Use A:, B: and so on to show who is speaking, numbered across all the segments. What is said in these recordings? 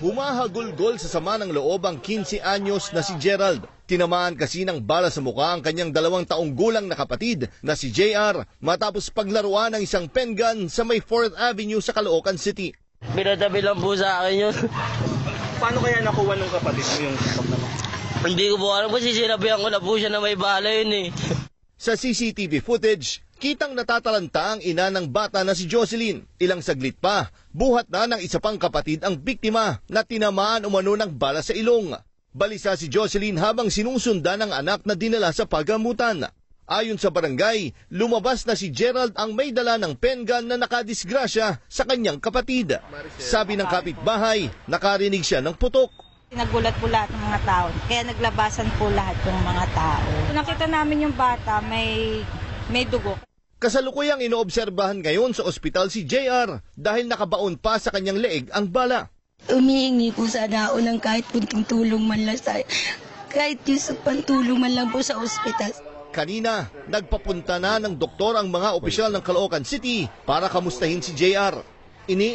A: Humahagulgol sa sama ng loob ang 15 anyos na si Gerald. Tinamaan kasi ng bala sa mukha ang kanyang 2 taong gulang na kapatid na si JR matapos paglaruan ng isang pen gun sa may 4th Avenue sa Caloocan City.
B: Pinatabi lang po sa akin yun.
C: Paano kaya nakuha ng kapatid mo yung naman?
B: Hindi ko po alam kasi sinabihan ko na po siya na may bala yun eh.
A: Sa CCTV footage, kitang natatalanta ang ina ng bata na si Jocelyn. Ilang saglit pa, buhat na ng isa pang kapatid ang biktima na tinamaan umano ng bala sa ilong. Balisa si Jocelyn habang sinusundan ng anak na dinala sa pagamutan. Ayon sa barangay, lumabas na si Gerald ang may dala ng pen gun na nakadisgrasya sa kanyang kapatid. Sabi ng kapitbahay, nakarinig siya ng putok.
D: Nagulat po lahat ng mga tao, kaya naglabasan po lahat ng mga tao. Nakita namin yung bata, may dugo.
A: Kasalukuyang inoobserbahan ngayon sa ospital si JR dahil nakabaon pa sa kanyang leeg ang bala.
E: Umihingi po sana ako ng kahit kunting tulong man lang sa kahit yung pantulong man lang po sa ospital.
A: Kanina, nagpapunta na ng doktor ang mga opisyal ng Caloocan City para kamustahin si JR.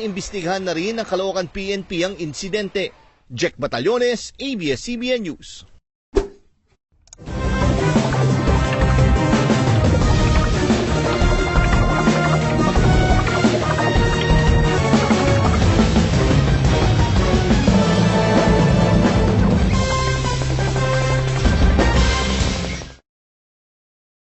A: Iniimbestigahan na rin ng Caloocan PNP ang insidente. Jack Batallones, ABS-CBN News.